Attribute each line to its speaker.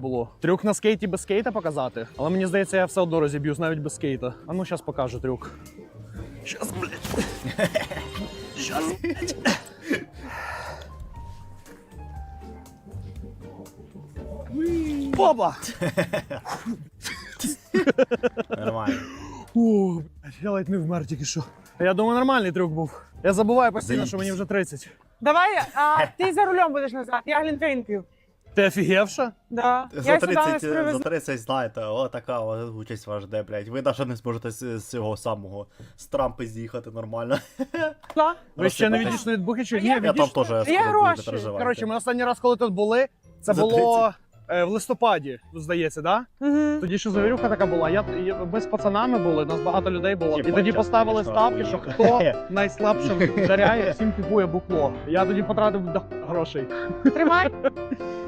Speaker 1: було. Трюк на скейті без скейта показати. Але мені здається, я все одно розіб'юсь навіть без скейта. А ну, зараз покажу трюк. Щас, блядь. Щас, блядь. Опа!
Speaker 2: Нормально.
Speaker 1: О, блядь, я ледь не вмер тільки що. Я думаю, нормальний трюк був. Я забуваю постійно, що мені вже 30.
Speaker 3: Давай, ти за рулем будеш назад, я глінтвейн п'ю.
Speaker 1: Ти офігевша?
Speaker 3: Да.
Speaker 2: За
Speaker 3: Я сюди нас
Speaker 2: 30, за
Speaker 3: привезла.
Speaker 2: 30, знаєте, отака участь вас жде, блядь. Ви навіть не зможете з цього самого, з Трампи з'їхати нормально.
Speaker 1: Ви ще не
Speaker 2: Розсипатись.
Speaker 1: відійшли від Бухи чи ні?
Speaker 2: Я там
Speaker 1: відійшли?
Speaker 2: теж
Speaker 3: Є
Speaker 2: скоро буду,
Speaker 3: гроші.
Speaker 2: не переживайте.
Speaker 1: Коротше, ми останній раз, коли тут були, це
Speaker 2: За
Speaker 1: було в листопаді, здається, да?
Speaker 3: Угу.
Speaker 1: Тоді що завірюха така була. Ми з пацанами були, нас багато людей було. І
Speaker 2: Типа,
Speaker 1: тоді
Speaker 2: час,
Speaker 1: поставили
Speaker 2: конечно,
Speaker 1: ставки, що
Speaker 2: охуєнно.
Speaker 1: хто найслабшим жаряє, всім купує букло. Я тоді потратив грошей.
Speaker 3: Тримай.